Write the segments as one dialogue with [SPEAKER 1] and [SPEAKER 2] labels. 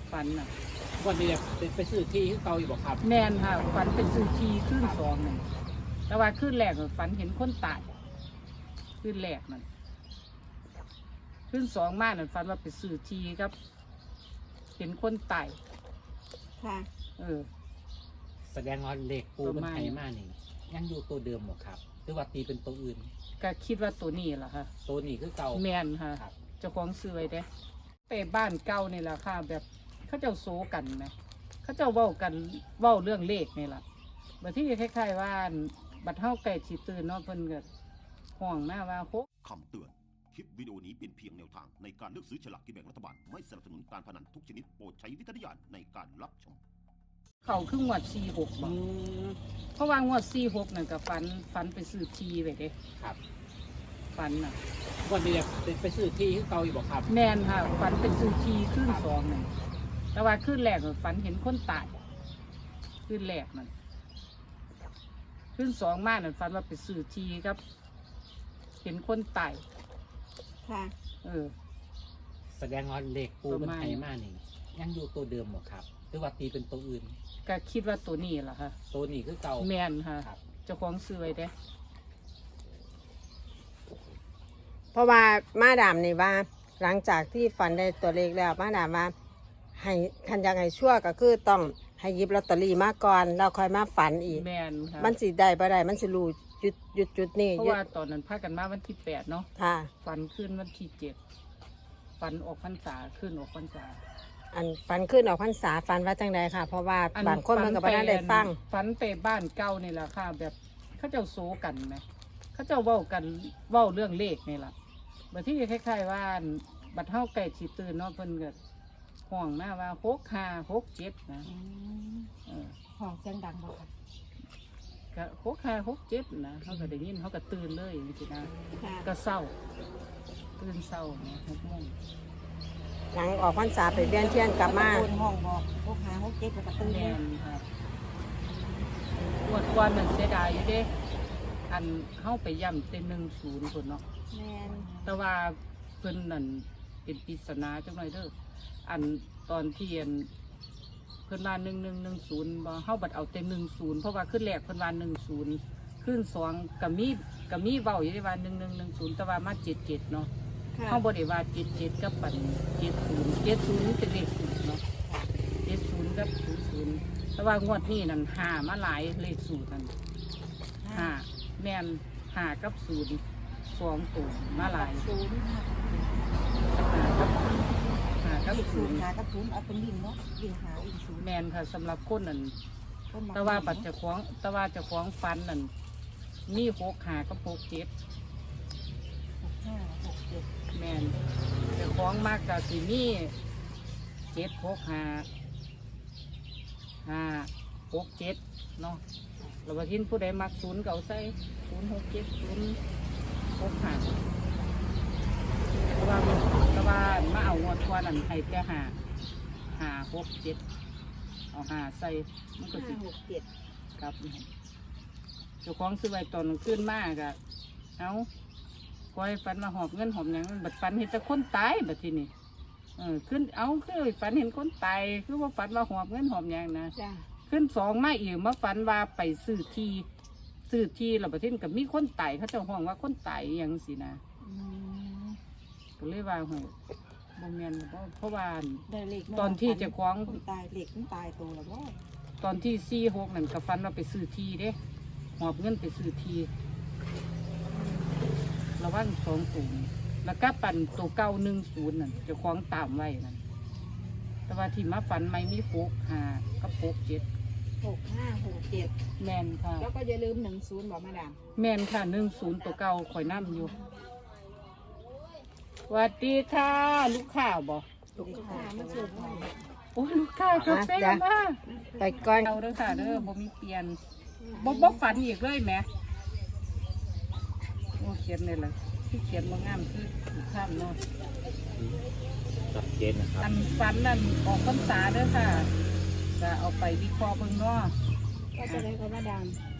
[SPEAKER 1] ฝันน่ะ
[SPEAKER 2] วันนี้ไปซื้อที่ที่เก่าอยู่บ่ครับ
[SPEAKER 1] แมนค่ะฝันเป็นซื้อทีขึ้นสองนั่นแต่ว่าขึ้นแรกฝันเห็นคนตายขึ้นแรกนั่นขึ้นสองมานั่นฝันว่าไปซื้อทีครับเห็นคนตาย
[SPEAKER 3] ค่ะ
[SPEAKER 2] แสดงว่าเลขปูมันไทยมากนี่ยังอยู่ตัวเดิมหมดครับหรือว่าตีเป็นตัวอื่น
[SPEAKER 1] ก็คิดว่าตัวนี้แหละค่ะ
[SPEAKER 2] ตัวนี้คือเก่า
[SPEAKER 1] แมนค่ะเจ้าของซื้อไว้เด้ไปบ้านเก่านี่แหละค่ะแบบเขาเจ้าโซกันไหมเขาเจ้าเว้ากันเว้าเรื่องเลขนี่แหละบัดที่คล้ายๆว่าบัดเฮาไก่ฉีตื่นเนาะเพิ่นก็ห้องมาว่าโค
[SPEAKER 4] คำเตือนคลิปวิดีโอนี้เป็นเพียงแนวทางในการเลือกซื้อฉลากกินแบ่งรัฐบาลไม่สนับสนุนการพนันทุกชนิดโปรดใช้วิจารณญาณในการรับชม
[SPEAKER 1] เขาคืองวด46บ่เพราะว่างวด46นั่นก็ฝันไปซื้อทีไว้เด้
[SPEAKER 2] ครับ
[SPEAKER 1] ฝันน่ะ
[SPEAKER 2] วันนี้ไปซื้อที่ที่เก่าอยู่บ่ครับ
[SPEAKER 1] แม่นค่ะฝันไปซื้อทีขึ้นสองนั่นแต่ว่าขึ้นแรกฝันเห็นคนตายขึ้นแรกนั่นขึ้นสองมานั่นฝันว่าไปซื้อทีครับเห็นคนตาย
[SPEAKER 3] ค่ะ
[SPEAKER 2] แสดงว่าเลขปูมันไทยมากนี่ยังอยู่ตัวเดิมหมดครับหรือว่าตีเป็นตัวอื่น
[SPEAKER 1] ก็คิดว่าตัวนี้แหละค่ะ
[SPEAKER 2] ตัวนี้คือเก่า
[SPEAKER 1] แม่นค่ะเจ้าของซื้อไว้เด้
[SPEAKER 3] เพราะว่ามาดามนี่ว่าหลังจากที่ฝันได้ตัวเลขแล้วมาดามว่าให้คันยังไงชั่วก็คือต้องให้หยิบลอตเตอรี่มาก่อนแล้วค่อยมาฝันอีก
[SPEAKER 1] แม่นค่ะ
[SPEAKER 3] มันสิได้บ่ได้มันสิรู้จุดนี่
[SPEAKER 1] เพราะว่าตอนนั้นพากันมาวันที่8เนาะ
[SPEAKER 3] ค่ะ
[SPEAKER 1] ฝันขึ้นวันที่7ฝันออกพรรษาขึ้นออกพรรษา
[SPEAKER 3] อันฝันขึ้นออกพรรษาฝันว่าจังใดค่ะเพราะว่าบางคนมันก็บ่ได้ฟัง
[SPEAKER 1] ฝันไปบ้านเก่านี่แหละค่ะแบบเขาเจ้าโซกันไหมเขาเจ้าเว้ากันเว้าเรื่องเลขนี่แหละบัดที่คล้ายๆว่าบัดเฮาไก่ฉีตื่นเนาะเพิ่นก็ห้องมาว่า6567นะ
[SPEAKER 3] ห้องเสียงดังบ่ค่ะ
[SPEAKER 1] ก็6567นะเขาก็ได้ยินเขาก็ตื่นเลยจริงๆนะก็เศร้าตื่นเศร้าเนี่ย6 โมง
[SPEAKER 3] หลังออกพรรษาไปเวียนเทียนกลับมา
[SPEAKER 5] ห้องบอก6567แล้วก็ตื่น
[SPEAKER 1] แม่นครับงวดก่อนมันเสียดายอยู่เด้อันเฮาไปย่ำเต็ม10พุ่นเนาะ
[SPEAKER 3] แม่น
[SPEAKER 1] แต่ว่าเพิ่นนั่นเป็นปริศนาจังหน่อยเด้ออันตอนที่เพิ่นว่า1110บ่เฮาบัดเอาแต่10เพราะว่าขึ้นแรกเพิ่นว่า10ขึ้น2ก็มีเว้าอยู่ได้ว่า1110แต่ว่ามา77เนาะเฮาบ่ได้ว่า77กับปัน70เป็นเลขสูตรเนาะ70กับ00แต่ว่างวดนี้นั่น5มาหลายเลขสูตรนั่น5แม่น5กับ0 2ตัวมาหลาย
[SPEAKER 5] กับศูนย์เอาเป็นวิ่งเนาะวิ่งหาวิ่งศูนย์
[SPEAKER 1] แมนค่ะสำหรับคนนั่นแต่ว่าปัจจุบันแต่ว่าจะคล้องฟันนั่นมี65กับ67แมนจะคล้องมากกับสีมี765 567เนาะเราไปทิ้งผู้ใดมัก0เก่าใส่067 065แต่ว่ามาเอางวดกว่านั่นให้แต่567เอา5ใส่มันก็สิ
[SPEAKER 5] 567
[SPEAKER 1] ครับเจ้าของซื้อไว้ตอนขึ้นมากอะเอาคอยฝันมาหอบเงินหอบหยังบัดฝันเห็นแต่คนตายบัดทีนี้ขึ้นเอาคือฝันเห็นคนตายคือว่าฝันว่าหอบเงินหอบหยังนะขึ้น2มาอีกมาฝันว่าไปซื้อที่แล้วบัดทีนี้ก็มีคนตายเขาเจ้าห้องว่าคนตายอย่างสินะก็เลยว่าโหบ่แม่นเพราะว่าตอนที่จะคล้อง
[SPEAKER 5] ตายเด็กมันตายโตแล้วบ่
[SPEAKER 1] ตอนที่46นั่นก็ฝันว่าไปซื้อที่เด้หอบเงินไปซื้อที่ระว่าง2ตุ่มแล้วก็ปั่นตัวเก้า10นั่นจะคล้องตามไว้นั่นแต่ว่าที่มาฝันไม่มี65กับ
[SPEAKER 5] 6567
[SPEAKER 1] แม่นค่ะ
[SPEAKER 5] แล้วก็อย่าลืม10บอกมาดาม
[SPEAKER 1] แม่นค่ะ10ตัวเก่าข่อยน้ำอยู่สวัสดีค่ะลูกค้าบ่
[SPEAKER 5] ลูกค้ามาเสิร์ฟ
[SPEAKER 1] โอ้ยลูกค้ากาแฟมา
[SPEAKER 3] ไปก่อน
[SPEAKER 1] เอาเด้อค่ะเด้อบ่มีเปลี่ยนบ่ฝันอีกเลยแหมโอ้เขียนเลยล่ะที่เขียนบ่งามคือข้ามเนาะ
[SPEAKER 2] ชัดเจนนะครับ
[SPEAKER 1] อันฝันนั่นออกพรรษาเด้อค่ะจะเอาไปวิเคราะห์เบิ่งเนาะ
[SPEAKER 5] ก็จะได้กับมาดาม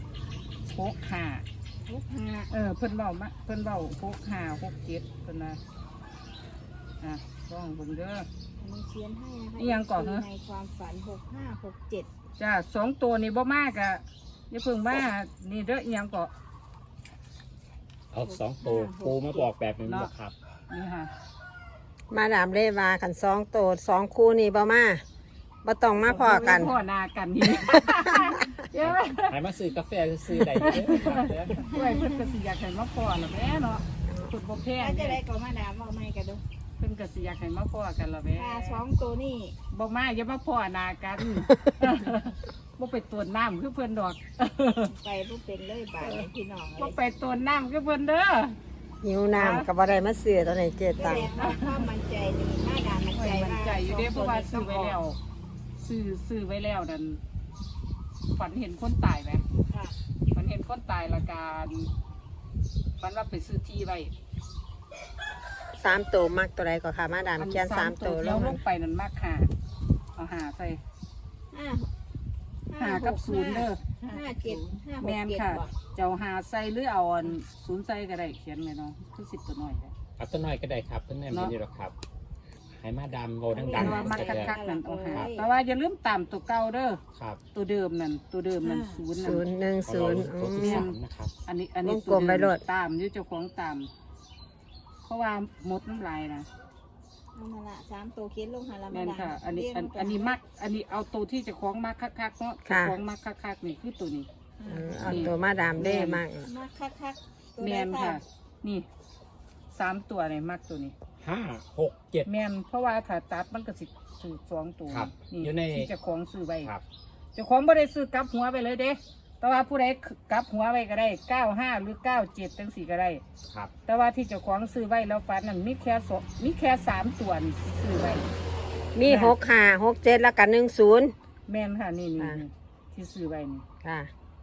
[SPEAKER 1] 65เพิ่นเว้า65 67เพิ่นนะลองเบิ่งเด้อ
[SPEAKER 5] มีเขียนให้นะคะ
[SPEAKER 1] นี่ยังก่อนเหรอ
[SPEAKER 5] ในความฝัน6567
[SPEAKER 1] จ้าสองตัวนี่บ่มากอะอย่าเพิ่งมานี่เด้ออีหยังก็
[SPEAKER 2] เอาสองตัวปูมาบอกแบบนี้บ่ครับ
[SPEAKER 1] นี่ค่ะ
[SPEAKER 3] มาดามเล่ว่ากัน2 ตัว 2 คู่นี่บ่มาบ่ต้องมาพอกัน
[SPEAKER 1] พ่อนากันนี่เดี๋ยว
[SPEAKER 2] ให้มาซื้อกาแฟซื้อได้เด้อครับเด้อ
[SPEAKER 1] ด้วยเพิ่นก็สิอยากให้มาพ่อละแม่เนาะเพิ่นบ่แพง
[SPEAKER 5] ถ้าจะ
[SPEAKER 1] เด้
[SPEAKER 5] ได้ก็มาดามเอาไม้กันดู
[SPEAKER 1] เพิ่นก็สิอยากให้มาพ่อกันละแม่
[SPEAKER 5] ถ้า2ตัวนี่
[SPEAKER 1] บ่มาอย่ามาพ่อนากันบ่ไปตวนน้ำคือเพิ่นดอก
[SPEAKER 5] ไปบ่เป็นเลยบาดนี้พี่น้อง
[SPEAKER 1] บ่ไปตวนน้ำคือเพิ่นเด้อ
[SPEAKER 3] หิวน้ำก็บ่ได้มาซื้อตอนไหนเจ
[SPEAKER 5] แส
[SPEAKER 3] ตัง
[SPEAKER 5] ดงว่าความมั่นใจนี่มาดามมั่นใจ
[SPEAKER 1] มันใจอยู่เด้เพราะว่าซื้อไว้แล้วซื้อไว้แล้วนั่นฝันเห็นคนตายไหม
[SPEAKER 5] ค่ะ
[SPEAKER 1] ฝันเห็นคนตายละการฝันว่าไปซื้อที่ไว้
[SPEAKER 3] 3 ตัวมักตัวใดก็ค่ะมาดามเขียน3 ตัว
[SPEAKER 1] แล้วล
[SPEAKER 3] ล
[SPEAKER 1] ง
[SPEAKER 3] ง
[SPEAKER 1] ไปนั่นมากหาเอาหาใส่
[SPEAKER 5] 5
[SPEAKER 1] หากับศูนย์เด้อ
[SPEAKER 5] 57
[SPEAKER 1] แมนค่ะ เจ้าหาใส่หรือเอาอันศูนย์ใส่ก็ได้เขียนไว้เนาะคือ10ตัวหน่อยได้
[SPEAKER 2] เอาตัวน้อยก็ได้ครับเพิ่นแม่ไม่ได้หรอกครับให้มาดามโบดั
[SPEAKER 1] แต่
[SPEAKER 2] ง
[SPEAKER 1] ว่า
[SPEAKER 2] ๆ
[SPEAKER 1] มัก
[SPEAKER 2] ก็ได้
[SPEAKER 1] คักๆนั่นเอาหาแต่ว่าอย่าลืมตามตัวเก่าเด้อ
[SPEAKER 2] ครับ
[SPEAKER 1] ตัวเดิมนั่นศูนย์นั่น
[SPEAKER 3] 010
[SPEAKER 2] ตัวที่
[SPEAKER 3] อื
[SPEAKER 2] สาม มนะครับ
[SPEAKER 1] อันนี้
[SPEAKER 3] วงกลมไว้โลด
[SPEAKER 1] ตามอยู่เจ้าของตาม เพราะว่าหมดน้ำลายนะ
[SPEAKER 5] เอามาละ3ตัวเขียนลงหาละ
[SPEAKER 1] แม่
[SPEAKER 5] มาน ดาม
[SPEAKER 1] ค่ะ อันนี้
[SPEAKER 5] เรียกั
[SPEAKER 1] อันนี้มัก อันนี้เอาตัวที่เจะคล้าของมักคักๆเนาะเจะคล้าของมักคักๆนี่คือตัวนี้
[SPEAKER 3] เอาตัวมาดามเล่มาก
[SPEAKER 5] มาคักๆตัว
[SPEAKER 1] แม
[SPEAKER 5] ใด
[SPEAKER 1] นค่ะ นี่3 ตัวนี่มักตัวนี้
[SPEAKER 2] 5 6 7
[SPEAKER 1] แมนเพราะว่าถ้าตัดมันก็สิถือ2 ตัว
[SPEAKER 2] ครับ
[SPEAKER 1] นี่
[SPEAKER 2] อยู่ใน
[SPEAKER 1] ที่เจะคล้าของซื้อไว้
[SPEAKER 2] ครับ
[SPEAKER 1] เจะคล้าของไม่ได้ซื้อกลับหัวไปเลยเด้แต่ว่าผู้ใดกลับหัวไว้ก็ได้95หรือ97จังสี่ก็ได้
[SPEAKER 2] ครับ
[SPEAKER 1] แต่ว่าที่เจ้าของซื้อไว้แล้วฟันนั่นมีแค่3 ตัวนี่ซื้อไว้
[SPEAKER 3] มี6 5 6 7แล้วก็10
[SPEAKER 1] แม่นค่ะนี่
[SPEAKER 3] อ่า
[SPEAKER 1] ที่ซื้อไว้นี่
[SPEAKER 3] ค่ะ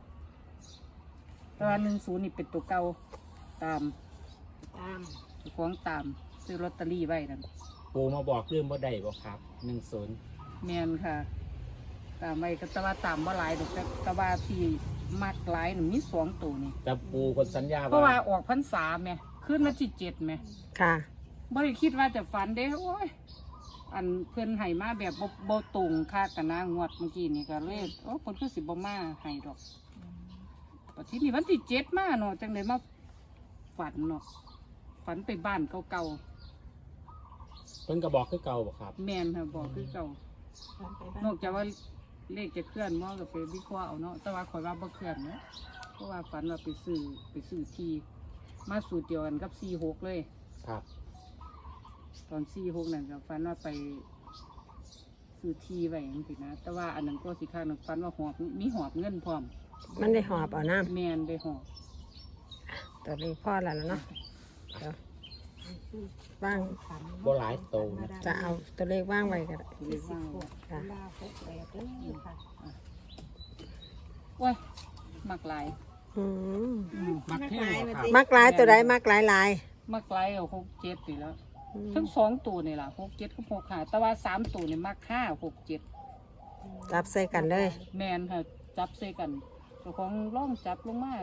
[SPEAKER 1] แต่ว่า10นี่เป็นตัวเก่าตาม
[SPEAKER 5] ตาม
[SPEAKER 1] เจ้าของตามซื้อลอตเตอรี่ไว้นั่น
[SPEAKER 2] ปูมาบอกเรื่องบ่ได้บ่ครับ10
[SPEAKER 1] แม่นค่ะ ตามไว้ก็แต่ว่าตามบ่หลายดอกแต่ว่าที่มักหลายนี่มี2 ตัวนี่
[SPEAKER 2] แต่ปูคนสัญญา
[SPEAKER 1] เพราะว่า
[SPEAKER 2] ว่า
[SPEAKER 1] ออกพรรษาแม่ขึ้นมาที่7แม่
[SPEAKER 3] ค่ะ
[SPEAKER 1] บ่ได้คิดว่าจะฝันเด้โอ้ยอันเพิ่นให้มาแบบบ่ตรงค่ากันนะงวดเมื่อกี้นี่ก็เลยโอ้เพิ่นคือสิบ่มาให้ดอกปัจจุบันวันที่7มาเนาะจังได๋มาฝันเนาะฝันไปบ้านเก่า
[SPEAKER 2] เพิ่นก็บอกคือเก่าบ่ครับ
[SPEAKER 1] ๆแม่นค่ะบอกคือเก่า
[SPEAKER 5] ตามไปบ้าน
[SPEAKER 1] นอกจากว่าเลขจะเคลื่อนมอกับไปวิเคราะห์เอาเนาะแต่ว่าข่อยว่าบ่เคลื่อนเนาะเพราะว่าฝันว่าไปซื้อที่มาสูตรเดียวกันกับ46เลย
[SPEAKER 2] ครับ
[SPEAKER 1] ตอน46นั่นก็ฝันว่าไปซื้อที่ไว้จังซี่นะแต่ว่าอันนั้นก็สิข้างนึงฝันว่าหอบมีหอบเงินพร้อม
[SPEAKER 3] มันได้หอบเอาน้
[SPEAKER 1] แม่นได้หอบ
[SPEAKER 3] ำตัวนี้พ่อแล้วเนาะเดี๋ยวว่าง
[SPEAKER 5] ฝัน
[SPEAKER 2] บ่หลายโตนะ
[SPEAKER 3] จะเอาตัวเลขว่างไว้ก็ได้
[SPEAKER 1] เรียกว่า
[SPEAKER 3] ค่ะ
[SPEAKER 5] ลา68เลยค่ะ
[SPEAKER 1] โอ้ยมักหลาย
[SPEAKER 3] อืม
[SPEAKER 2] มักแค่บ่ครับ
[SPEAKER 3] มักหลายตัวใดมักหลายหลาย
[SPEAKER 1] มักหลายเอา6 7นี่แล้ว
[SPEAKER 3] อืม
[SPEAKER 1] ทั้ง2ตัวนี่ล่ะ6 7กับ6 5แต่ว่า3ตัวนี่มัก5 6 7
[SPEAKER 3] จับใส่กันเลย
[SPEAKER 1] แม่นค่ะจับใส่กันเจ้าของร่องจับลงมา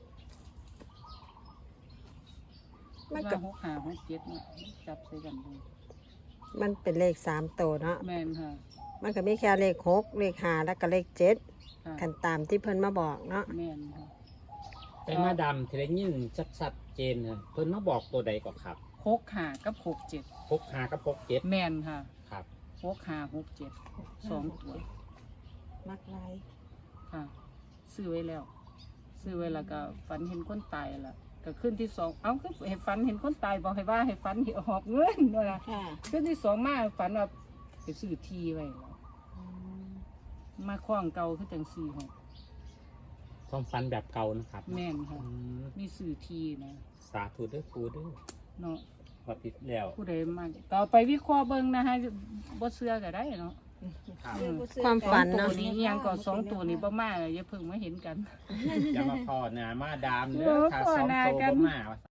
[SPEAKER 3] มัน
[SPEAKER 1] ว่า
[SPEAKER 3] ก็
[SPEAKER 1] 6 5 6 7เนี่ยจับใส่กันเลย
[SPEAKER 3] มันเป็นเลข3ตัวเนาะ
[SPEAKER 1] แม่นค่ะ
[SPEAKER 3] มันก็มีแค่เลข6เลข5แล้วก็เลข7
[SPEAKER 1] ค่ะ
[SPEAKER 3] กันตามที่เพิ่นมาบอกเนาะ
[SPEAKER 1] แม่นค่ะ
[SPEAKER 2] แต่มาดำที่ได้ยินชัดๆเจนน่ะเพิ่นมาบอกตัวใดก่อนครับ
[SPEAKER 1] 6 5กับ6 7
[SPEAKER 2] 6 5กับ6 7
[SPEAKER 1] แม่นค่ะ
[SPEAKER 2] ครับ
[SPEAKER 1] 6 5 6 7 2 ตัว
[SPEAKER 5] มักลาย
[SPEAKER 1] ค่ะซื้อไว้แล้ว ซื้อไว้แล้วก็ฝันเห็นคนตายล่ะก็ขึ้นที่2เอาคือให้ฝันเห็นคนตายบอกให้ว่าให้ฝันหอบเงินว่าล่ะ
[SPEAKER 5] ค่ะ
[SPEAKER 1] ขึ้นที่2มาฝันว่าไปซื้อที่ไว้แล้ว
[SPEAKER 5] อืม
[SPEAKER 1] มาคล้องเก่าคือจัง4 6
[SPEAKER 2] ความฝันแบบเก่านะครับ
[SPEAKER 1] แม่นค่ะ
[SPEAKER 2] อืม
[SPEAKER 1] มีซื้อที่นะ
[SPEAKER 2] สาธุเด้อปูเด้อ
[SPEAKER 1] เนาะ
[SPEAKER 2] พอติดแล้ว
[SPEAKER 1] ผู้ใดมาก็เอาไปวิเคราะห์เบิ่งนะฮะบ่เชื่อก็ได้เนาะ
[SPEAKER 2] ครับ
[SPEAKER 5] เชื่อบ่เชื่อ
[SPEAKER 3] ความฝัน
[SPEAKER 1] ตัว
[SPEAKER 3] เนาะ
[SPEAKER 1] นี้อิหยังก็2 ตัวนี้บ่มาอย่าเพิ่งมาเห็นกัน
[SPEAKER 2] อย่ามาพอหน้ามาดามเด้
[SPEAKER 1] โอ้
[SPEAKER 2] อถ้า
[SPEAKER 1] พ้อ
[SPEAKER 2] สอง
[SPEAKER 1] หน้า
[SPEAKER 2] โต
[SPEAKER 1] กัน
[SPEAKER 2] บ่มา